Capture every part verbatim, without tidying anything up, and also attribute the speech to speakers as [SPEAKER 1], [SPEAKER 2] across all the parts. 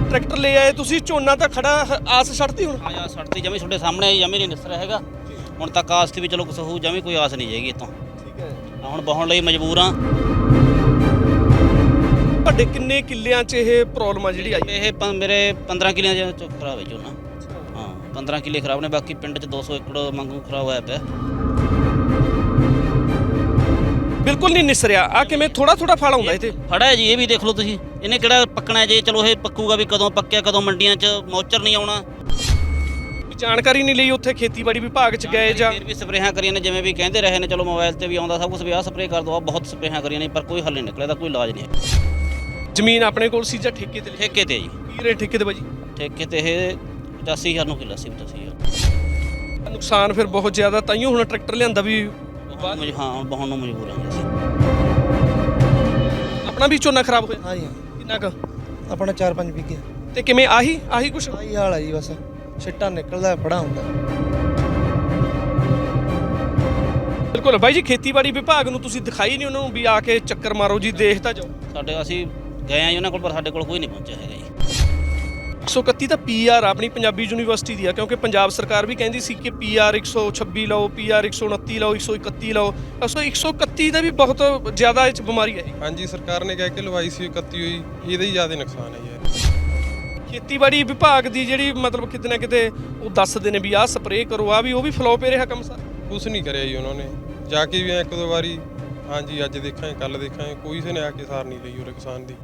[SPEAKER 1] Tractor ले आए तुसी झोना तो खड़ा आस छड्डती हुण
[SPEAKER 2] हाँ यार सड़ती जमी ਤੁਹਾਡੇ ਸਾਹਮਣੇ ਜਮੀ ਨਹੀਂ ਨਿਸਰ ਹੈਗਾ ਹੁਣ ਤੱਕ ਆਸ ਤੇ ਵੀ ਚਲੋ ਕੁਛ ਹੋਊ ਜਮੀ ਕੋਈ ਆਸ ਨਹੀਂ ਹੈਗੀ ਇਤੋਂ
[SPEAKER 1] ਠੀਕ ਹੈ
[SPEAKER 2] ਹੁਣ ਬਹਾਉਣ ਲਈ ਮਜਬੂਰ ਆ
[SPEAKER 1] ਤੁਹਾਡੇ ਕਿੰਨੇ ਕਿੱਲਿਆਂ 'ਚ ਇਹ ਪ੍ਰੋਬਲਮ ਆ ਜਿਹੜੀ ਆਈ
[SPEAKER 2] ਇਹ ਪ- ਮੇਰੇ ਪੰਦਰਾਂ ਕਿੱਲਿਆਂ ਚ ਖਰਾਬ ਹੈ ਝੋਨਾ ਹਾਂ ਪੰਦਰਾਂ ਕਿੱਲੇ ਖਰਾਬ ਨੇ ਬਾਕੀ ਪਿੰਡ ਚ ਦੋ ਸੌ ਏਕੜ ਵਾਂਗੂ ਖਰਾਬ ਹੋਇਆ ਪਿਆ
[SPEAKER 1] ਬਿਲਕੁਲ ਨਹੀਂ ਨਿਸਰਿਆ ਆ ਕਿਵੇਂ ਥੋੜਾ ਥੋੜਾ ਫਲ ਆਉਂਦਾ ਇੱਥੇ
[SPEAKER 2] ਫੜਾ ਜੀ ਇਹ ਵੀ ਦੇਖ ਲਓ ਤੁਸੀਂ ਇਹਨੇ ਕਿਹੜਾ ਪੱਕਣਾ ਜੇ ਚਲੋ ਇਹ ਪੱਕੂਗਾ ਵੀ ਕਦੋਂ ਪੱਕਿਆ ਕਦੋਂ ਮੰਡੀਆਂ 'ਚ ਮੌਚਰ ਨਹੀਂ ਆਉਣਾ
[SPEAKER 1] ਜਾਣਕਾਰੀ ਨਹੀਂ ਲਈ ਉੱਥੇ ਖੇਤੀਬਾੜੀ ਵਿਭਾਗ 'ਚ ਗਏ ਜਾਂ
[SPEAKER 2] ਫਿਰ ਵੀ ਸਪਰੇਹਾਂ ਕਰੀਆਂ ਨੇ ਜਿਵੇਂ ਵੀ ਕਹਿੰਦੇ ਰਹੇ ਨੇ ਚਲੋ ਮੋਬਾਈਲ ਤੇ ਵੀ ਆਉਂਦਾ ਸਭ ਕੁਝ ਵੀ ਆਹ ਸਪਰੇਅ ਕਰ ਦੋ ਆ ਬਹੁਤ ਸਪਰੇਹਾਂ ਕਰੀਆਂ ਨੇ ਪਰ ਕੋਈ ਹੱਲ ਨਹੀਂ ਨਿਕਲਿਆ ਦਾ ਕੋਈ ਇਲਾਜ ਨਹੀਂ ਹੈ
[SPEAKER 1] ਜ਼ਮੀਨ ਆਪਣੇ ਕੋਲ ਸੀ ਜਾਂ ਠੇਕੇ ਤੇ ਲਈ
[SPEAKER 2] ਠੇਕੇ ਤੇ ਜੀ
[SPEAKER 1] ਕੀ ਰੇਟ ਠੇਕੇ ਤੇ ਬਾਜੀ
[SPEAKER 2] ਠੇਕੇ ਤੇ ਇਹ ਪਚਾਸੀ ਹਜ਼ਾਰ ਨੂੰ ਕਿੱਲਾ ਸੀ ਪਚਾਸੀ ਹਜ਼ਾਰ
[SPEAKER 1] ਨੁਕਸਾਨ ਫਿਰ ਬਹੁਤ ਜ਼ਿਆਦਾ ਤਾਈਓ ਹੁਣ ਟਰੈਕਟਰ ਲਿਆਂਦਾ ਵੀ
[SPEAKER 2] ਬਾਅਦ ਵਿੱਚ ਹਾਂ ਬਹਾਉਣ ਨੂੰ ਮਜਬੂਰ ਹਾਂ ਅਸੀਂ
[SPEAKER 1] ਆਪਣਾ ਵੀ ਝੋਨਾ ਖਰਾਬ ਹੋਇਆ
[SPEAKER 3] ਹਾਂ ਜੀ ਹਾਂ।
[SPEAKER 1] ਕਿੰਨਾ ਕੁ
[SPEAKER 3] ਆਪਣਾ ਚਾਰ ਪੰਜ ਵਿਗੇ
[SPEAKER 1] ਤੇ ਕਿਵੇਂ ਆਹੀ ਆਹੀ ਕੁਛ
[SPEAKER 3] ਆਹੀ ਹਾਲ ਹੈ ਜੀ ਬਸ ਛਿੱਟਾ ਨਿਕਲਦਾ ਬੜਾ ਹੁੰਦਾ
[SPEAKER 1] ਬਿਲਕੁਲ ਬਾਈ ਜੀ ਖੇਤੀਬਾੜੀ ਵਿਭਾਗ ਨੂੰ ਤੁਸੀਂ ਦਿਖਾਈ ਨਹੀਂ ਉਹਨਾਂ ਨੂੰ ਵੀ ਆ ਕੇ ਚੱਕਰ ਮਾਰੋ ਜੀ ਦੇਖ ਤਾਂ ਜਾਓ
[SPEAKER 2] ਸਾਡੇ ਅਸੀਂ ਗਏ ਆ ਜੀ ਉਹਨਾਂ ਕੋਲ ਪਰ ਸਾਡੇ ਕੋਲ ਕੋਈ ਨਹੀਂ ਪਹੁੰਚਿਆ ਹੈਗਾ ਜੀ
[SPEAKER 1] ਇੱਕ ਸੌ ਇਕੱਤੀ ਤਾਂ ਪੀ ਆਰ ਆਪਣੀ ਪੰਜਾਬੀ ਯੂਨੀਵਰਸਿਟੀ ਦੀ ਆ ਕਿਉਂਕਿ ਪੰਜਾਬ ਸਰਕਾਰ ਵੀ ਕਹਿੰਦੀ ਸੀ ਕਿ ਪੀ ਆਰ ਇੱਕ ਸੌ ਛੱਬੀ ਲਓ ਪੀ ਆਰ ਇੱਕ ਸੌ ਉਨੱਤੀ ਲਓ ਇੱਕ ਸੌ ਇਕੱਤੀ ਲਓ ਅਸੋ ਇੱਕ ਸੌ ਇਕੱਤੀ ਦਾ ਵੀ ਬਹੁਤ ਜ਼ਿਆਦਾ ਇਹ 'ਚ ਬਿਮਾਰੀ ਹੈ
[SPEAKER 4] ਹਾਂਜੀ ਸਰਕਾਰ ਨੇ ਕਹਿ ਕੇ ਲਵਾਈ ਸੀ ਇਕੱਤੀ ਹੋਈ ਇਹਦਾ ਹੀ ਜ਼ਿਆਦਾ ਨੁਕਸਾਨ ਹੈ ਯਾਰ
[SPEAKER 1] ਖੇਤੀਬਾੜੀ ਵਿਭਾਗ ਦੀ ਜਿਹੜੀ ਮਤਲਬ ਕਿਤੇ ਨਾ ਕਿਤੇ ਉਹ ਦੱਸਦੇ ਨੇ ਵੀ ਆਹ ਸਪਰੇਅ ਕਰੋ ਆ ਵੀ ਉਹ ਵੀ ਫਲੋਪ ਰਿਹਾ ਕੰਮ ਸਾਰਾ
[SPEAKER 4] ਕੁਛ ਨਹੀਂ ਕਰਿਆ ਜੀ ਉਹਨਾਂ ਨੇ ਜਾ ਕੇ ਵੀ ਇੱਕ ਦੋ ਵਾਰੀ ਹਾਂਜੀ ਅੱਜ ਦੇਖਾਂਗੇ ਕੱਲ ਦੇਖਾਂਗੇ ਕੋਈ ਕਿਸੇ ਨੇ ਆ ਕੇ ਸਾਰ ਨਹੀਂ ਲਈ ਉਹ ਕਿਸਾਨ ਦੀ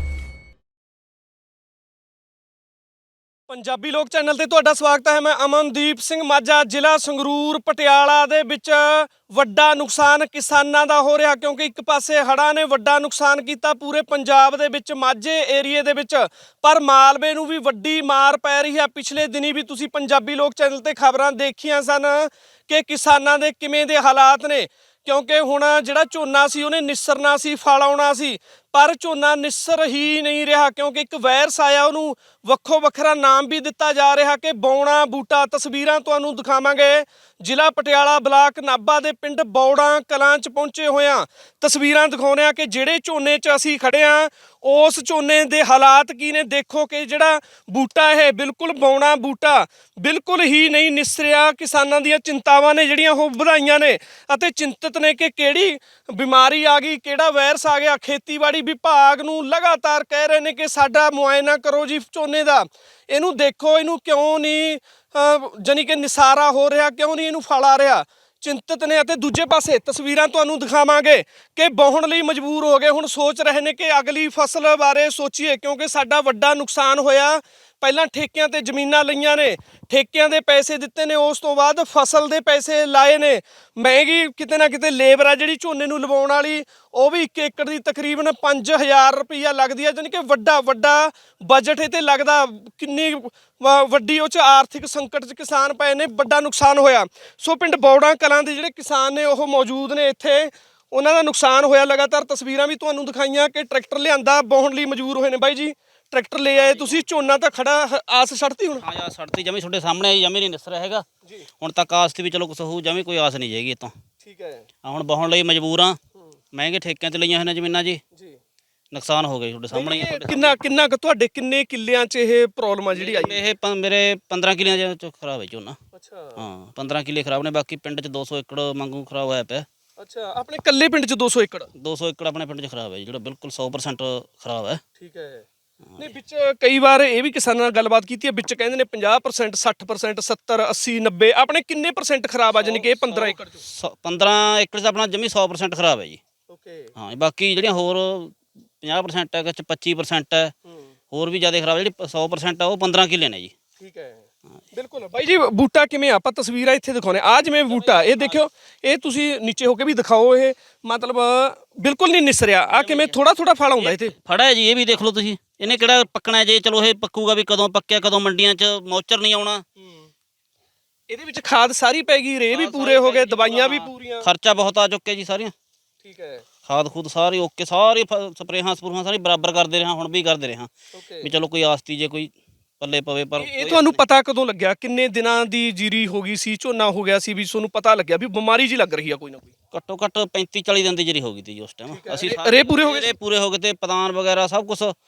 [SPEAKER 1] ਪੰਜਾਬੀ ਲੋਕ ਚੈਨਲ ਤੇ ਤੁਹਾਡਾ ਸਵਾਗਤ ਹੈ ਮੈਂ ਅਮਨਦੀਪ ਸਿੰਘ ਮਾਝਾ ਜ਼ਿਲ੍ਹਾ ਸੰਗਰੂਰ ਪਟਿਆਲਾ ਦੇ ਵਿੱਚ ਵੱਡਾ ਨੁਕਸਾਨ ਕਿਸਾਨਾਂ ਦਾ ਹੋ ਰਿਹਾ ਕਿਉਂਕਿ ਇੱਕ ਪਾਸੇ ਹੜ੍ਹਾਂ ਨੇ ਵੱਡਾ ਨੁਕਸਾਨ ਕੀਤਾ ਪੂਰੇ ਪੰਜਾਬ ਦੇ ਵਿੱਚ ਮਾਝੇ ਏਰੀਏ ਦੇ ਵਿੱਚ ਪਰ ਮਾਲਵੇ ਨੂੰ ਵੀ ਵੱਡੀ ਮਾਰ ਪੈ ਰਹੀ ਹੈ ਪਿਛਲੇ ਦਿਨੀ ਵੀ ਤੁਸੀਂ ਪੰਜਾਬੀ ਲੋਕ ਚੈਨਲ ਤੇ ਖਬਰਾਂ ਦੇਖੀਆਂ ਸਨ ਕਿ ਕਿਸਾਨਾਂ ਦੇ ਕਿਵੇਂ ਦੇ ਹਾਲਾਤ ਨੇ ਕਿਉਂਕਿ ਹੁਣ ਜਿਹੜਾ ਝੋਨਾ ਸੀ ਉਹਨੇ ਨਿਸਰਨਾ ਸੀ ਫਲ ਆਉਣਾ ਸੀ ਪਰ ਝੋਨਾ ਨਿਸਰ ਹੀ ਨਹੀਂ ਰਿਹਾ ਕਿਉਂਕਿ ਇੱਕ ਵਾਇਰਸ ਆਇਆ ਉਹਨੂੰ ਵੱਖੋ ਵੱਖਰਾ ਨਾਮ ਵੀ ਦਿੱਤਾ ਜਾ ਰਿਹਾ ਕਿ ਬੌਣਾ ਬੂਟਾ ਤਸਵੀਰਾਂ ਤੁਹਾਨੂੰ ਦਿਖਾਵਾਂਗੇ ਜ਼ਿਲ੍ਹਾ ਪਟਿਆਲਾ ਬਲਾਕ ਨਾਭਾ ਦੇ ਪਿੰਡ ਬੌੜਾ ਕਲਾਂ 'ਚ ਪਹੁੰਚੇ ਹੋਇਆਂ ਤਸਵੀਰਾਂ ਦਿਖਾਉਂਦੇ ਆ ਕਿ ਜਿਹੜੇ ਝੋਨੇ 'ਚ ਅਸੀਂ ਖੜੇ ਆ ਉਸ ਝੋਨੇ ਦੇ ਹਾਲਾਤ ਕੀ ਨੇ ਦੇਖੋ ਕਿ ਜਿਹੜਾ ਬੂਟਾ ਇਹ ਬਿਲਕੁਲ ਬੌਣਾ ਬੂਟਾ ਬਿਲਕੁਲ ਹੀ ਨਹੀਂ ਨਿਸਰਿਆ ਕਿਸਾਨਾਂ ਦੀਆਂ ਚਿੰਤਾਵਾਂ ਨੇ ਜਿਹੜੀਆਂ ਉਹ ਵਧਾਈਆਂ ਨੇ ਅਤੇ ਚਿੰਤਤ ਨੇ ਕਿ ਕਿਹੜੀ ਬਿਮਾਰੀ ਆ ਗਈ ਕਿਹੜਾ ਵਾਇਰਸ ਆ ਗਿਆ ਖੇਤੀਬਾੜੀ ਵਿਭਾਗ ਨੂੰ ਲਗਾਤਾਰ ਕਹਿ ਰਹੇ ਨੇ ਕਿ ਸਾਡਾ ਮੁਆਇਨਾ ਕਰੋ ਜੀ ਝੋਨੇ ਦਾ ਇਹਨੂੰ ਦੇਖੋ ਇਹਨੂੰ ਕਿਉਂ ਨਹੀਂ ਜਾਨੀ ਕਿ ਨਿਸਾਰਾ ਹੋ ਰਿਹਾ ਕਿਉਂ ਨਹੀਂ ਇਹਨੂੰ ਫਲ ਆ ਰਿਹਾ ਚਿੰਤਤ ਨੇ ਅਤੇ ਦੂਜੇ ਪਾਸੇ ਤਸਵੀਰਾਂ ਤੁਹਾਨੂੰ ਦਿਖਾਵਾਂਗੇ ਕਿ ਵਾਹੁਣ ਲਈ ਮਜਬੂਰ ਹੋ ਗਏ ਹੁਣ ਸੋਚ ਰਹੇ ਨੇ ਕਿ ਅਗਲੀ ਫਸਲ ਬਾਰੇ ਸੋਚੀਏ ਕਿਉਂਕਿ ਸਾਡਾ ਵੱਡਾ ਨੁਕਸਾਨ ਹੋਇਆ ਪਹਿਲਾਂ ਠੇਕਿਆਂ ਤੇ ਜ਼ਮੀਨਾਂ ਲਈਆਂ ਨੇ ਠੇਕਿਆਂ ਦੇ ਪੈਸੇ ਦਿੱਤੇ ਨੇ ਉਸ ਤੋਂ ਬਾਅਦ ਫਸਲ ਦੇ ਪੈਸੇ ਲਾਏ ਨੇ ਮਹਿੰਗੀ ਕਿਤੇ ਨਾ ਕਿਤੇ ਲੇਬਰ ਆ ਜਿਹੜੀ ਝੋਨੇ ਨੂੰ ਲਵਾਉਣ ਵਾਲੀ ਉਹ ਵੀ ਇੱਕ ਏਕੜ ਦੀ ਤਕਰੀਬਨ ਪੰਜ ਹਜ਼ਾਰ ਰੁਪਈਆ ਲੱਗਦੀ ਹੈ ਜਾਨੀ ਕਿ ਵੱਡਾ ਵੱਡਾ ਬਜਟ ਇਹ 'ਤੇ ਲੱਗਦਾ ਕਿੰਨੀ ਵੱਡੀ ਉਹ 'ਚ ਆਰਥਿਕ ਸੰਕਟ 'ਚ ਕਿਸਾਨ ਪਏ ਨੇ ਵੱਡਾ ਨੁਕਸਾਨ ਹੋਇਆ ਸੋ ਪਿੰਡ ਬੌੜਾ ਕਲਾਂ ਦੇ ਜਿਹੜੇ ਕਿਸਾਨ ਨੇ ਉਹ ਮੌਜੂਦ ਨੇ ਇੱਥੇ ਉਹਨਾਂ ਦਾ ਨੁਕਸਾਨ ਹੋਇਆ ਲਗਾਤਾਰ ਤਸਵੀਰਾਂ ਵੀ ਤੁਹਾਨੂੰ ਦਿਖਾਈਆਂ ਕਿ ਟਰੈਕਟਰ ਲਿਆਂਦਾ ਵਾਹੁਣ ਲਈ ਮਜਬੂਰ ਹੋਏ ਨੇ ਬਾਈ ਜੀ ਟਰੈਕਟਰ ਲੈ ਆਏ ਤੁਸੀਂ ਝੋਨਾ ਤਾਂ ਖੜਾ ਆਸ ਛੱਡਤੀ ਹੁਣ
[SPEAKER 2] ਹਾਂ ਯਾਰ ਸੜਤੀ ਜਮੀ ਤੁਹਾਡੇ ਸਾਹਮਣੇ ਜਮੀ ਨਹੀਂ ਨਿਸਰ ਹੈਗਾ ਹੁਣ ਤੱਕ ਆਸ ਤੇ ਵੀ ਚਲੋ ਕੁਛ ਹੋਊ ਜਮੀ ਕੋਈ ਆਸ ਨਹੀਂ ਹੈਗੀ ਇਤੋਂ
[SPEAKER 1] ਠੀਕ ਹੈ
[SPEAKER 2] ਹੁਣ ਬਹਾਉਣ ਲਈ ਮਜਬੂਰ ਆ ਮਹਿੰਗੇ ਠੇਕਿਆਂ ਤੇ ਲਈਆਂ ਹੋਈਆਂ ਜ਼ਮੀਨਾਂ ਜੀ
[SPEAKER 1] ਜੀ
[SPEAKER 2] ਨੁਕਸਾਨ ਹੋ ਗਿਆ ਤੁਹਾਡੇ ਸਾਹਮਣੇ ਹੀ
[SPEAKER 1] ਕਿੰਨਾ ਕਿੰਨਾ ਕੁ ਤੁਹਾਡੇ ਕਿੰਨੇ ਕਿੱਲਿਆਂ 'ਚ ਇਹ ਪ੍ਰੋਬਲਮ ਆ ਜਿਹੜੀ ਆਈ
[SPEAKER 2] ਇਹ ਪ- ਮੇਰੇ ਪੰਦਰਾਂ ਕਿੱਲਿਆਂ ਚ ਖਰਾਬ ਹੈ ਝੋਨਾ
[SPEAKER 1] ਅੱਛਾ
[SPEAKER 2] ਹਾਂ ਪੰਦਰਾਂ ਕਿੱਲੇ ਖਰਾਬ ਨੇ ਬਾਕੀ ਪਿੰਡ ਚ ਦੋ ਸੌ ਏਕੜ ਵਾਂਗੂ ਖਰਾਬ ਹੋਇਆ ਪਿਆ
[SPEAKER 1] ਅੱਛਾ ਆਪਣੇ ਕੱਲੇ ਪਿੰਡ 'ਚ ਦੋ ਸੌ ਏਕੜ
[SPEAKER 2] ਦੋ ਸੌ ਏਕੜ ਆਪਣੇ ਪਿੰਡ ਚ ਖਰਾਬ ਹੈ ਜੀ, ਜਿਹੜਾ ਬਿਲਕੁਲ ਸੌ ਪ੍ਰਸੈਂਟ ਖਰਾਬ ਹੈ
[SPEAKER 1] ਠੀਕ ਹੈ ਨਹੀਂ ਵਿੱਚ ਕਈ ਵਾਰ ਇਹ ਵੀ ਕਿਸਾਨਾਂ ਨਾਲ ਗੱਲਬਾਤ ਕੀਤੀ ਹੈ ਵਿੱਚ ਕਹਿੰਦੇ ਨੇ ਪੰਜਾਹ ਪਰਸੈਂਟ ਸੱਠ ਪਰਸੈਂਟ ਸੱਤਰ ਅੱਸੀ ਨੱਬੇ ਆਪਣੇ ਕਿੰਨੇ ਪਰਸੈਂਟ ਖਰਾਬ ਆ ਜਾਨੀ ਕਿ ਇਹ ਪੰਦਰਾਂ ਏਕੜ 'ਚ
[SPEAKER 2] ਸੌ- ਪੰਦਰਾਂ ਏਕੜ ਚ ਆਪਣਾ ਜਮੀ ਸੌ ਪ੍ਰਸੈਂਟ ਖਰਾਬ ਹੈ ਜੀ
[SPEAKER 1] ਓਕੇ
[SPEAKER 2] ਹਾਂ ਬਾਕੀ ਜਿਹੜੀਆਂ ਹੋਰ ਪੰਜਾਹ ਪ੍ਰਸੈਂਟ ਹੈ ਕਿ ਪੱਚੀ ਪ੍ਰਸੈਂਟ ਹੈ ਹੋਰ ਵੀ ਜ਼ਿਆਦਾ ਖਰਾਬ ਜਿਹੜੀ ਸੌ ਪ੍ਰਸੈਂਟ ਆ ਉਹ ਪੰਦਰਾਂ ਕਿੱਲੇ ਨੇ ਜੀ
[SPEAKER 1] ਠੀਕ ਹੈ ਬਿਲਕੁਲ ਬਾਈ ਜੀ ਬੂਟਾ ਕਿਵੇਂ ਆਪਾਂ ਤਸਵੀਰਾਂ ਇੱਥੇ ਦਿਖਾਉਣੇ ਆ ਜਿਵੇਂ ਬੂਟਾ ਇਹ ਦੇਖਿਓ ਇਹ ਤੁਸੀਂ ਨੀਚੇ ਹੋ ਕੇ ਵੀ ਦਿਖਾਓ ਇਹ ਮਤਲਬ ਬਿਲਕੁਲ ਨਹੀਂ ਨਿਸਰਿਆ ਆ ਕਿਵੇਂ ਥੋੜਾ ਥੋੜਾ ਫਲ ਆਉਂਦਾ ਇੱਥੇ
[SPEAKER 2] ਫੜਾ ਜੀ ਇਹ ਵੀ ਦੇਖ ਲਓ ਤੁਸੀਂ ਇਹਨੇ ਕਿਹੜਾ ਪੱਕਣਾ ਜੇ ਚਲੋ ਇਹ ਪੱਕੂਗਾ ਵੀ ਕਦੋਂ ਪੱਕਿਆ ਕਦੋਂ ਮੰਡੀਆਂ 'ਚ ਮੌਚਰ ਨਹੀਂ ਆਉਣਾ
[SPEAKER 1] ਇਹਦੇ ਵਿੱਚ ਖਾਦ ਸਾਰੀ ਪੈ ਗਈ ਰੇ ਵੀ ਪੂਰੇ ਹੋ ਗਏ ਦਵਾਈਆਂ ਵੀ ਪੂਰੀਆਂ
[SPEAKER 2] ਖਰਚਾ ਬਹੁਤ ਆ ਚੁੱਕਿਆ ਜੀ ਸਾਰੀਆਂ
[SPEAKER 1] ਠੀਕ ਹੈ
[SPEAKER 2] ਖਾਦ ਖੂਦ ਸਾਰੀ ਓਕੇ ਸਾਰੀ ਸਪਰੇਹਾਂ ਸਪਰੂਹਾਂ ਸਾਰੀ ਬਰਾਬਰ ਕਰਦੇ ਰਿਹਾ ਹੁਣ ਵੀ ਕਰਦੇ ਰਿਹਾ ਵੀ ਚਲੋ ਕੋਈ ਆਸਤੀ ਜੇ ਕੋਈ ਪੱਲੇ ਪਵੇ ਪਰ
[SPEAKER 1] ਇਹ ਤੁਹਾਨੂੰ ਪਤਾ ਕਦੋਂ ਲੱਗਿਆ ਕਿੰਨੇ ਦਿਨਾਂ ਦੀ ਜੀਰੀ ਹੋ ਗਈ ਸੀ ਝੋਨਾ ਹੋ ਗਿਆ ਸੀ ਵੀ ਤੁਹਾਨੂੰ ਪਤਾ ਲੱਗਿਆ ਵੀ ਬਿਮਾਰੀ ਜੀ ਲੱਗ ਰਹੀ ਆ ਕੋਈ ਨਾ ਕੋਈ
[SPEAKER 2] ਘੱਟੋ ਘੱਟ ਪੈਂਤੀ ਚਾਲੀ ਦਿਨ ਦੀ ਜਰੀ ਹੋ ਗਈ ਤੀ ਜੀ ਉਸ ਟਾਈਮ ਅਸੀਂ
[SPEAKER 1] ਰੇ ਪੂਰੇ ਹੋ ਗਏ
[SPEAKER 2] ਰੇ ਪੂਰੇ ਹੋ ਗਏ ਤੇ ਪਤਾਨ ਵਗੈਰਾ ਸਭ ਕੁਝ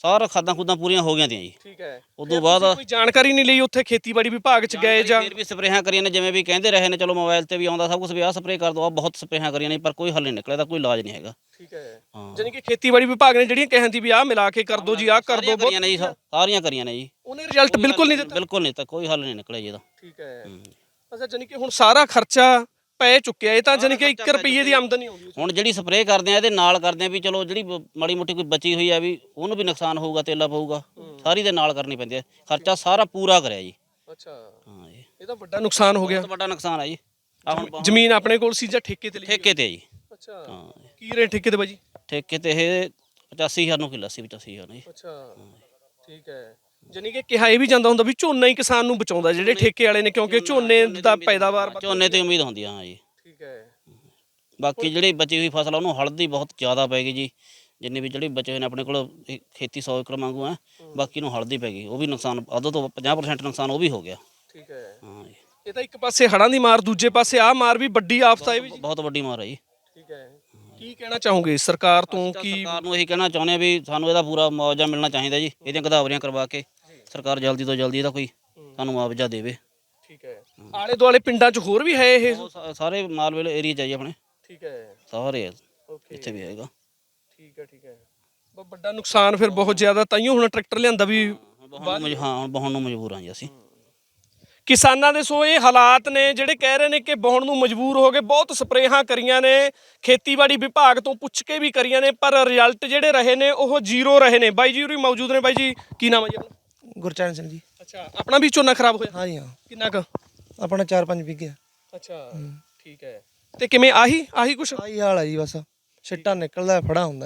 [SPEAKER 2] ਸਾਰਾ ਖਾਦਾਂ ਖੁਦਾਂ ਪੂਰੀਆਂ ਹੋ ਗਈਆਂ ਤੀਆਂ ਜੀ।
[SPEAKER 1] ਠੀਕ ਹੈ।
[SPEAKER 2] ਉਦੋਂ ਬਾਅਦ
[SPEAKER 1] ਕੋਈ ਜਾਣਕਾਰੀ ਨਹੀਂ ਲਈ ਉੱਥੇ ਖੇਤੀਬਾੜੀ ਵਿਭਾਗ 'ਚ ਗਏ ਜਾਂ
[SPEAKER 2] ਫਿਰ ਵੀ ਸਪਰੇਹਾਂ ਕਰੀਆਂ ਨੇ, ਜਿਵੇਂ ਵੀ ਕਹਿੰਦੇ ਰਹੇ ਨੇ, ਚਲੋ ਮੋਬਾਈਲ ਤੇ ਵੀ ਆਉਂਦਾ ਸਭ ਕੁਝ ਵੀ ਆਹ ਸਪਰੇਅ ਕਰ ਦੋ, ਆ ਬਹੁਤ ਸਪਰੇਹਾਂ ਕਰੀਆਂ ਨੇ, ਪਰ ਕੋਈ ਹੱਲ ਨਹੀਂ ਨਿਕਲਿਆ, ਤਾਂ ਕੋਈ ਇਲਾਜ ਨਹੀਂ ਹੈਗਾ।
[SPEAKER 1] ਠੀਕ ਹੈ।
[SPEAKER 2] ਹਾਂ
[SPEAKER 1] ਜਾਨੀ ਕਿ ਖੇਤੀਬਾੜੀ ਵਿਭਾਗ ਨੇ ਜਿਹੜੀਆਂ ਕਹਿੰਦੀ ਵੀ ਆਹ ਮਿਲਾ ਕੇ ਕਰ ਦੋ ਜੀ, ਆਹ ਕਰ ਦੋ,
[SPEAKER 2] ਕਰੀਆਂ ਨੇ ਜੀ, ਸਾਰੀਆਂ ਕਰੀਆਂ ਨੇ ਜੀ,
[SPEAKER 1] ਉਹਨੇ ਰਿਜ਼ਲਟ ਬਿਲਕੁਲ ਨਹੀਂ ਦਿੱਤਾ।
[SPEAKER 2] ਬਿਲਕੁਲ ਨਹੀਂ, ਤਾਂ ਕੋਈ ਹੱਲ ਨਹੀਂ ਨਿਕਲਿਆ ਜੀ ਇਹਦਾ।
[SPEAKER 1] ਠੀਕ ਹੈ। ਅੱਛਾ, ਜਾਨੀ ਕਿ ਹੁਣ ਸਾਰਾ ਖਰਚਾ ਪੈ ਚੁੱਕਿਆ, ਇਹ ਤਾਂ ਜਾਨੀ ਕਿ ਇੱਕ ਰੁਪਈਏ ਦੀ ਆਮਦਨੀ ਆਉਂਦੀ।
[SPEAKER 2] ਹੁਣ ਜਿਹੜੀ ਸਪਰੇਅ ਕਰਦੇ ਆ ਇਹਦੇ ਨਾਲ ਕਰਦੇ ਆ ਵੀ ਚਲੋ ਜਿਹੜੀ ਮਾੜੀ ਮੋਟੀ ਕੋਈ ਬਚੀ ਹੋਈ ਆ ਵੀ ਉਹਨੂੰ ਵੀ ਨੁਕਸਾਨ ਹੋਊਗਾ, ਤੇਲਾ ਪਊਗਾ, ਸਾਰੀ ਦੇ ਨਾਲ ਕਰਨੀ ਪੈਂਦੀ ਹੈ। ਖਰਚਾ ਸਾਰਾ ਪੂਰਾ ਕਰਿਆ ਜੀ।
[SPEAKER 1] ਅੱਛਾ,
[SPEAKER 2] ਹਾਂ ਜੀ,
[SPEAKER 1] ਇਹ ਤਾਂ ਵੱਡਾ ਨੁਕਸਾਨ ਹੋ ਗਿਆ।
[SPEAKER 2] ਬਹੁਤ ਵੱਡਾ ਨੁਕਸਾਨ ਆ ਜੀ। ਆ ਹੁਣ
[SPEAKER 1] ਜ਼ਮੀਨ ਆਪਣੇ ਕੋਲ ਸੀ ਜਾਂ ਠੇਕੇ ਤੇ ਲਈ?
[SPEAKER 2] ਠੇਕੇ ਤੇ ਜੀ।
[SPEAKER 1] ਅੱਛਾ,
[SPEAKER 2] ਹਾਂ
[SPEAKER 1] ਕੀ ਰੇਟ ਠੇਕੇ ਤੇ ਬਾਜੀ?
[SPEAKER 2] ਠੇਕੇ ਤੇ ਇਹ ਪਚਾਸੀ ਹਜ਼ਾਰ ਨੂੰ ਕਿੱਲਾ ਸੀ, ਪਚਾਸੀ ਹਜ਼ਾਰ ਜੀ।
[SPEAKER 1] ਅੱਛਾ, ਠੀਕ ਹੈ। ਜਾਨੀ ਕਿ ਕਿਹਾ ਇਹ ਵੀ ਜਾਂਦਾ ਹੁੰਦਾ ਵੀ ਝੋਨਾ ਹੀ ਕਿਸਾਨ ਨੂੰ ਬਚਾਉਂਦਾ, ਜਿਹੜੇ ਠੇਕੇ ਵਾਲੇ ਨੇ, ਕਿਉਂਕਿ ਝੋਨੇ ਦਾ ਪੈਦਾਵਾਰ।
[SPEAKER 2] ਝੋਨੇ ਤੇ ਉਮੀਦ ਹੁੰਦੀ ਆ। ਹਾਂ ਜੀ,
[SPEAKER 1] ਠੀਕ ਹੈ।
[SPEAKER 2] ਬਾਕੀ ਜਿਹੜੀ ਬਚੀ ਹੋਈ ਫਸਲ ਆ ਉਹਨੂੰ ਹਲਦੀ ਬਹੁਤ ਜ਼ਿਆਦਾ ਪੈ ਗਈ ਜੀ। ਜਿੰਨੇ ਵੀ ਜਿਹੜੇ ਬਚੇ ਹੋਏ ਨੇ ਆਪਣੇ ਕੋਲ ਖੇਤੀ ਸੌ ਏਕੜ ਵਾਂਗੂ ਆ, ਬਾਕੀ ਨੂੰ ਹਲਦੀ ਪੈ ਗਈ, ਉਹ ਵੀ ਨੁਕਸਾਨ ਅੱਧੋ ਤੋਂ ਪੰਜਾਹ ਪ੍ਰਸੈਂਟ ਨੁਕਸਾਨ ਉਹ ਵੀ ਹੋ ਗਿਆ।
[SPEAKER 1] ਠੀਕ ਹੈ।
[SPEAKER 2] ਹਾਂ ਜੀ,
[SPEAKER 1] ਇਹ ਤਾਂ ਇੱਕ ਪਾਸੇ ਹੜ੍ਹਾਂ ਦੀ ਮਾਰ, ਦੂਜੇ ਪਾਸੇ ਆਹ ਮਾਰ ਵੀ ਵੱਡੀ ਆਫਤ ਆਏ ਵੀ ਜੀ।
[SPEAKER 2] ਬਹੁਤ ਵੱਡੀ ਮਾਰ ਹੈ ਜੀ।
[SPEAKER 1] ਠੀਕ ਹੈ। ਕੀ ਕਹਿਣਾ ਚਾਹੋਗੇ ਸਰਕਾਰ ਤੋਂ? ਕੀ
[SPEAKER 2] ਸਰਕਾਰ ਨੂੰ ਇਹੀ ਕਹਿਣਾ ਚਾਹੁੰਦੇ ਆ ਵੀ ਸਾਨੂੰ ਇਹਦਾ ਪੂਰਾ ਮੁਆਵਜ਼ਾ ਮਿਲਣਾ ਚਾਹੀਦਾ ਜੀ। ਇਹਦੀਆਂ ਗਦਾਵਰੀਆਂ ਕਰਵਾ ਕੇ ਸਰਕਾਰ ਜਲਦੀ ਤੋਂ ਜਲਦੀ ਇਹਦਾ ਕੋਈ ਸਾਨੂੰ ਮੁਆਵਜ਼ਾ ਦੇਵੇ। ਠੀਕ ਹੈ। ਆਲੇ ਦੁਆਲੇ ਪਿੰਡਾਂ 'ਚ ਹੋਰ ਵੀ ਹੈ ਇਹ? ਸਾਰੇ ਮਾਲਵੇਲ ਏਰੀਆ 'ਚ ਆ ਜੀ ਆਪਣੇ। ਠੀਕ ਹੈ। ਸਾਰੇ
[SPEAKER 1] ਓਕੇ,
[SPEAKER 2] ਇੱਥੇ ਵੀ ਹੈਗਾ।
[SPEAKER 1] ਠੀਕ ਹੈ, ਠੀਕ ਹੈ। ਬਹੁਤ ਵੱਡਾ ਨੁਕਸਾਨ ਫਿਰ, ਬਹੁਤ ਜ਼ਿਆਦਾ। ਤਾਈਓ ਹੁਣ ਟਰੈਕਟਰ ਲਿਆਂਦਾ ਵੀ
[SPEAKER 2] ਹਾਂ, ਹੁਣ ਬਹਾਉਣ ਨੂੰ ਮਜਬੂਰ ਹਾਂ ਜੀ ਅਸੀਂ।
[SPEAKER 1] ਕਿਸਾਨਾਂ ਦੇ ਸੋ ਇਹ ਹਾਲਾਤ ਨੇ ਜਿਹੜੇ ਕਹਿ ਰਹੇ ਨੇ ਕਿ ਬਹਾਉਣ ਨੂੰ ਮਜਬੂਰ ਹੋ ਗਏ। ਬਹੁਤ ਸਪਰੇਹਾਂ ਕਰੀਆਂ ਨੇ, ਖੇਤੀਬਾੜੀ ਵਿਭਾਗ ਤੋਂ ਪੁੱਛ ਕੇ ਵੀ ਕਰੀਆਂ ਨੇ, ਪਰ ਰਿਜ਼ਲਟ ਜਿਹੜੇ ਰਹੇ ਨੇ ਉਹ ਜ਼ੀਰੋ ਰਹੇ ਨੇ। ਬਾਈ ਜੀ ਉਰੀ ਮੌਜੂਦ ਨੇ। ਬਾਈ ਜੀ ਕੀ ਨਾਮ ਹੈ ਜੀ ਆਪਣਾ?
[SPEAKER 3] ਗੁਰਚਰਨ ਸਿੰਘ ਜੀ।
[SPEAKER 1] ਅੱਛਾ, ਆਪਣਾ ਵੀ ਝੋਨਾ ਖਰਾਬ ਹੋਇਆ?
[SPEAKER 3] ਹਾਂ ਜੀ ਹਾਂ।
[SPEAKER 1] ਕਿੰਨਾ ਕੁ?
[SPEAKER 3] ਆਪਣਾ ਚਾਰ ਪੰਜ ਵਿਗੇ।
[SPEAKER 1] ਅੱਛਾ, ਠੀਕ ਹੈ। ਤੇ ਕਿਵੇਂ ਆਹੀ ਆਹੀ ਕੁਛ?
[SPEAKER 3] ਆਹੀ ਹਾਲ ਹੈ ਜੀ, ਬਸ ਛਿੱਟਾ ਨਿਕਲਦਾ, ਫੜਾ ਹੁੰਦਾ।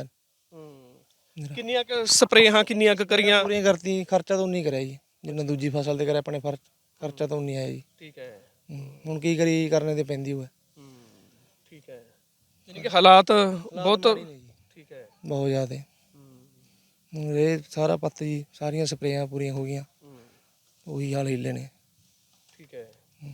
[SPEAKER 1] ਕਿੰਨੀਆਂ ਕੁ ਸਪਰੇਹਾਂ ਕਿੰਨੀਆਂ ਕੁ ਕਰੀਆਂ?
[SPEAKER 3] ਪੂਰੀਆਂ ਕਰਤੀ, ਖਰਚਾ ਤਾਂ ਉਨੀ ਕਰਿਆ ਜੀ ਜਿੰਨਾ ਦੂਜੀ ਫਸਲ ਤੇ ਕਰਿਆ। ਆਪਣੇ ਫਰਚ ਖਰਚਾ ਤਾਂ ਉਨੀ ਆਇਆ ਜੀ। ਠੀਕ ਹੈ। ਹੁਣ ਕੀ ਕਰੀ, ਕਰਨੇ ਤੇ ਪੈਂਦੀ ਹੋਏ। ਠੀਕ ਹੈ। ਯਾਨੀ ਕਿ ਹਾਲਾਤ ਬਹੁਤ। ਠੀਕ ਹੈ। ਬਹੁਤ ਜ਼ਿਆਦਾ। ਹੁਣ ਇਹ ਸਾਰਾ ਪੱਤ ਜੀ, ਸਾਰੀਆਂ ਸਪਰੇਆਂ ਪੂਰੀਆਂ ਹੋ ਗਈਆਂ, ਉਹੀ ਹਾਲ ਹਿੱਲੇ ਨੇ।
[SPEAKER 1] ਠੀਕ ਹੈ।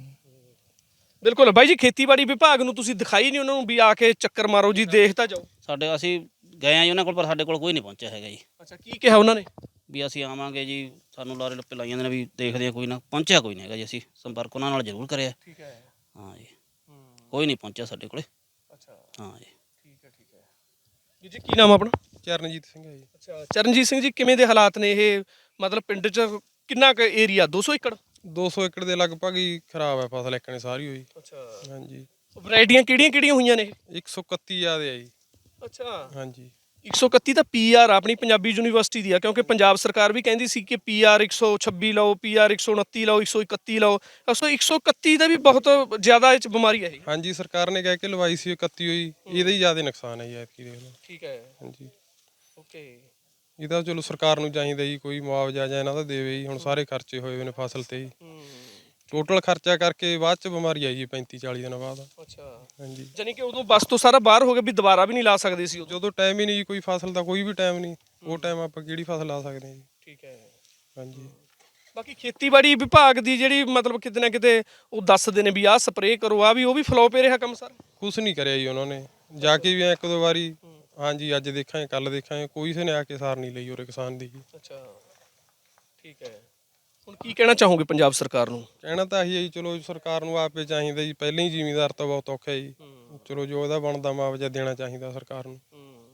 [SPEAKER 1] ਬਿਲਕੁਲ ਬਾਈ ਜੀ, ਖੇਤੀਬਾੜੀ ਵਿਭਾਗ ਨੂੰ ਤੁਸੀਂ ਦਿਖਾਈ ਨਹੀਂ ਉਹਨਾਂ ਨੂੰ ਵੀ ਆ ਕੇ ਚੱਕਰ ਮਾਰੋ ਜੀ, ਦੇਖ ਤਾਂ ਜਾਓ।
[SPEAKER 2] ਸਾਡੇ ਅਸੀਂ ਗਏ ਆ ਜੀ ਉਹਨਾਂ ਕੋਲ, ਪਰ ਸਾਡੇ ਕੋਲ ਕੋਈ ਨਹੀਂ ਪਹੁੰਚਿਆ ਹੈਗਾ ਜੀ।
[SPEAKER 1] ਅੱਛਾ, ਕੀ ਕਿਹਾ ਉਹਨਾਂ ਨੇ?
[SPEAKER 2] ਵੀ ਅਸੀਂ ਆਵਾਂਗੇ ਜੀ, ਸਾਨੂੰ ਲਾਰੇ ਲੱਪੇ ਲਾਈ ਜਾਂਦੇ ਨੇ ਵੀ ਦੇਖਦੇ ਆ, ਕੋਈ ਨਾ ਪਹੁੰਚਿਆ ਕੋਈ ਨਹੀਂ ਹੈਗਾ ਜੀ। ਅਸੀਂ ਸੰਪਰਕ ਉਹਨਾਂ ਨਾਲ ਜ਼ਰੂਰ ਕਰਿਆ। ਠੀਕ ਹੈ। ਹਾਂ ਜੀ, ਕੋਈ ਨਹੀਂ ਪਹੁੰਚਿਆ ਸਾਡੇ ਕੋਲੇ। ਅੱਛਾ, ਹਾਂ ਜੀ।
[SPEAKER 1] ਠੀਕ ਹੈ, ਠੀਕ ਹੈ। ਜੀ ਜੀ ਕੀ ਨਾਮ ਆਪਣਾ?
[SPEAKER 4] ਚਰਨਜੀਤ ਸਿੰਘ ਹੈ ਜੀ।
[SPEAKER 1] ਅੱਛਾ, ਚਰਨਜੀਤ ਸਿੰਘ ਜੀ, ਕਿਵੇਂ ਦੇ ਹਾਲਾਤ ਨੇ ਇਹ? ਮਤਲਬ ਪਿੰਡ 'ਚ ਕਿੰਨਾ ਕੁ ਏਰੀਆ? ਦੋ ਸੌ ਏਕੜ?
[SPEAKER 4] ਦੋ ਸੌ ਏਕੜ ਦੇ ਲਗਭਗ ਹੀ ਖਰਾਬ ਹੈ ਫਸਲ, ਇੱਕ ਨੇ ਸਾਰੀ ਹੋਈ।
[SPEAKER 1] ਅੱਛਾ,
[SPEAKER 4] ਹਾਂਜੀ।
[SPEAKER 1] ਵੈਰਾਈਟੀਆਂ ਕਿਹੜੀਆਂ ਕਿਹੜੀਆਂ ਹੋਈਆਂ ਨੇ?
[SPEAKER 4] ਇੱਕ ਸੌ ਇਕੱਤੀ ਜ਼ਿਆਦੇ ਆ ਜੀ।
[SPEAKER 1] ਅੱਛਾ,
[SPEAKER 4] ਹਾਂਜੀ। ਇੱਕ
[SPEAKER 1] ਸੌ ਇਕੱਤੀ ਤਾਂ ਪੀ ਆਰ ਆਪਣੀ ਪੰਜਾਬੀ ਯੂਨੀਵਰਸਿਟੀ ਦੀ ਆ, ਕਿਉਂਕਿ ਪੰਜਾਬ ਸਰਕਾਰ ਵੀ ਕਹਿੰਦੀ ਸੀ ਕਿ ਪੀ ਆਰ ਇੱਕ ਸੌ ਛੱਬੀ ਲਓ, ਪੀ ਆਰ ਇੱਕ ਸੌ ਉਨੱਤੀ ਲਓ, ਇੱਕ ਸੌ ਇਕੱਤੀ ਲਓ। ਅਸੋ ਇੱਕ ਸੌ ਇਕੱਤੀ ਦਾ ਵੀ ਬਹੁਤ ਜ਼ਿਆਦਾ ਇਹ 'ਚ ਬਿਮਾਰੀ ਹੈ ਇਹ।
[SPEAKER 4] ਹਾਂਜੀ, ਸਰਕਾਰ ਨੇ ਕਹਿ ਕੇ ਲਵਾਈ ਸੀ ਇਕੱਤੀ ਹੋਈ, ਇਹਦਾ ਹੀ ਜ਼ਿਆਦਾ ਨੁਕਸਾਨ ਹੈ ਜੀ ਐਤਕੀ, ਦੇਖ ਲਓ।
[SPEAKER 1] ਠੀਕ ਹੈ।
[SPEAKER 4] ਹਾਂਜੀ,
[SPEAKER 1] ਓਕੇ।
[SPEAKER 4] ਇਹਦਾ ਚਲੋ ਸਰਕਾਰ ਨੂੰ ਚਾਹੀਦਾ ਜੀ ਕੋਈ ਮੁਆਵਜ਼ਾ ਜਾਂ ਇਹਨਾਂ ਦਾ ਦੇਵੇ ਜੀ। ਹੁਣ ਸਾਰੇ ਖਰਚੇ ਹੋਏ ਹੋਏ ਨੇ ਫਸਲ ਤੇ ਜੀ। ਟੋਟਲ ਖਰਚਾ ਕਰਕੇ ਬਾਅਦ ਚ ਬਿਮਾਰੀ ਆਈ ਜੀ ਪੈਂਤੀ ਚਾਲੀ ਦਿਨਾਂ ਬਾਅਦ। ਅੱਛਾ, ਹਾਂਜੀ।
[SPEAKER 1] ਜਾਨੀ ਕਿ ਉਦੋਂ ਬਸ ਤੋਂ ਸਾਰਾ ਬਾਹਰ ਹੋ ਗਿਆ ਵੀ ਦੁਬਾਰਾ ਵੀ ਨਹੀਂ ਲਾ ਸਕਦੇ ਸੀ
[SPEAKER 4] ਜਦੋਂ ਟਾਈਮ ਹੀ ਨਹੀਂ ਜੀ, ਕੋਈ ਫਸਲ ਦਾ ਕੋਈ ਵੀ ਟਾਈਮ ਨਹੀਂ, ਉਹ ਟਾਈਮ ਆਪਾਂ ਕਿਹੜੀ ਫਸਲ ਲਾ ਸਕਦੇ ਹਾਂ ਜੀ। ਠੀਕ ਹੈ। ਹਾਂਜੀ।
[SPEAKER 1] ਬਾਕੀ ਖੇਤੀਬਾੜੀ ਵਿਭਾਗ ਦੀ ਜਿਹੜੀ ਮਤਲਬ ਕਿਤੇ ਨਾ ਕਿਤੇ ਉਹ ਦੱਸਦੇ ਨੇ ਵੀ ਆਹ ਸਪਰੇਅ ਕਰੋ, ਆ ਵੀ ਉਹ ਵੀ ਫਲੋਪ ਹੀ ਰਿਹਾ ਕੰਮ ਸਾਰਾ।
[SPEAKER 4] ਕੁਛ ਨਹੀਂ ਕਰਿਆ ਜੀ ਉਹਨਾਂ ਨੇ, ਜਾ ਕੇ ਵੀ ਇੱਕ ਦੋ ਵਾਰੀ ਹਾਂਜੀ ਅੱਜ ਦੇਖਾਂਗੇ ਕੱਲ ਦੇਖਾਂਗੇ, ਕੋਈ ਕਿਸੇ ਨੇ ਆ ਕੇ ਸਾਰ ਨਹੀਂ ਲਈ ਉਰੇ ਕਿਸਾਨ ਦੀ। ਅੱਛਾ, ਠੀਕ ਹੈ। ਹੁਣ ਕੀ ਕਹਿਣਾ ਚਾਹੋਗੇ ਪੰਜਾਬ ਸਰਕਾਰ ਨੂੰ? ਕਹਿਣਾ ਤਾਂ ਇਹੀ ਹੈ ਜੀ, ਚਲੋ ਸਰਕਾਰ ਨੂੰ ਆਪੇ ਚਾਹੀਦਾ ਜੀ, ਪਹਿਲਾਂ ਹੀ ਜ਼ਿਮੀਂਦਾਰ ਤਾਂ ਬਹੁਤ ਔਖਾ ਜੀ, ਚਲੋ ਜੋ ਉਹਦਾ ਬਣਦਾ ਮੁਆਵਜ਼ਾ ਦੇਣਾ ਚਾਹੀਦਾ ਸਰਕਾਰ ਨੂੰ।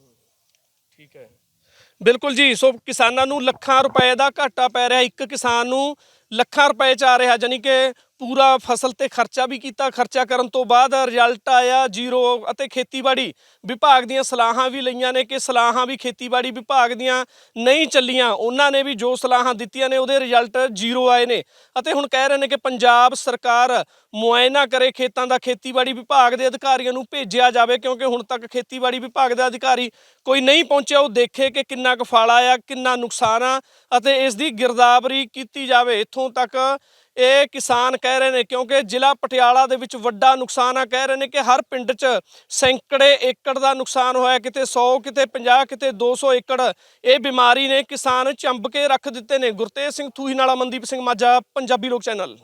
[SPEAKER 4] ਠੀਕ ਹੈ। ਬਿਲਕੁਲ ਜੀ, ਸੋ ਕਿਸਾਨਾਂ ਨੂੰ ਲੱਖਾਂ ਰੁਪਏ ਦਾ ਘਾਟਾ ਪੈ ਰਿਹਾ, ਇੱਕ ਕਿਸਾਨ ਨੂੰ ਲੱਖਾਂ ਰੁਪਏ 'ਚ ਆ ਰਿਹਾ। ਜਾਨੀ ਕਿ ਪੂਰਾ ਫਸਲ ਤੇ ਖਰਚਾ ਵੀ ਕੀਤਾ, ਖਰਚਾ ਕਰਨ ਤੋਂ ਬਾਅਦ ਰਿਜ਼ਲਟ ਆਇਆ ਜ਼ੀਰੋ। ਅਤੇ ਖੇਤੀਬਾੜੀ ਵਿਭਾਗ ਦੀਆਂ ਸਲਾਹਾਂ ਵੀ ਲਈਆਂ ਨੇ ਕਿ ਸਲਾਹਾਂ ਵੀ ਖੇਤੀਬਾੜੀ ਵਿਭਾਗ ਦੀਆਂ ਨਹੀਂ ਚੱਲੀਆਂ, ਉਹਨਾਂ ਨੇ ਵੀ ਜੋ ਸਲਾਹਾਂ ਦਿੱਤੀਆਂ ਨੇ ਉਹਦੇ ਰਿਜ਼ਲਟ ਜ਼ੀਰੋ ਆਏ ਨੇ। ਅਤੇ ਹੁਣ ਕਹਿ ਰਹੇ ਨੇ ਕਿ ਪੰਜਾਬ ਸਰਕਾਰ ਮੁਆਇਨਾ ਕਰੇ ਖੇਤਾਂ ਦਾ, ਖੇਤੀਬਾੜੀ ਵਿਭਾਗ ਦੇ ਅਧਿਕਾਰੀਆਂ ਨੂੰ ਭੇਜਿਆ ਜਾਵੇ, ਕਿਉਂਕਿ ਹੁਣ ਤੱਕ ਖੇਤੀਬਾੜੀ ਵਿਭਾਗ ਦਾ ਅਧਿਕਾਰੀ ਕੋਈ ਨਹੀਂ ਪਹੁੰਚਿਆ। ਉਹ ਦੇਖੇ ਕਿ ਕਿੰਨਾ ਕੁ ਫਲ ਆਇਆ, ਕਿੰਨਾ ਨੁਕਸਾਨ ਆ, ਅਤੇ ਇਸ ਦੀ ਗਿਰਦਾਵਰੀ ਕੀਤੀ ਜਾਵੇ। ਇੱਥੋਂ ਤੱਕ ਇਹ ਕਿਸਾਨ ਕਹਿ ਰਹੇ ਨੇ, ਕਿਉਂਕਿ ਜ਼ਿਲ੍ਹਾ ਪਟਿਆਲਾ ਦੇ ਵਿੱਚ ਵੱਡਾ ਨੁਕਸਾਨ ਆ। ਕਹਿ ਰਹੇ ਨੇ ਕਿ ਹਰ ਪਿੰਡ 'ਚ ਸੈਂਕੜੇ ਏਕੜ ਦਾ ਨੁਕਸਾਨ ਹੋਇਆ, ਕਿਤੇ ਸੌ, ਕਿਤੇ ਪੰਜਾਹ, ਕਿਤੇ ਦੋ ਸੌ ਏਕੜ। ਇਹ ਬਿਮਾਰੀ ਨੇ ਕਿਸਾਨ ਚੰਬ ਕੇ ਰੱਖ ਦਿੱਤੇ ਨੇ। ਗੁਰਤੇਜ ਸਿੰਘ ਥੂਹੀ ਨਾਲ, ਅਮਨਦੀਪ ਸਿੰਘ ਮਾਝਾ, ਪੰਜਾਬੀ ਲੋਕ ਚੈਨਲ।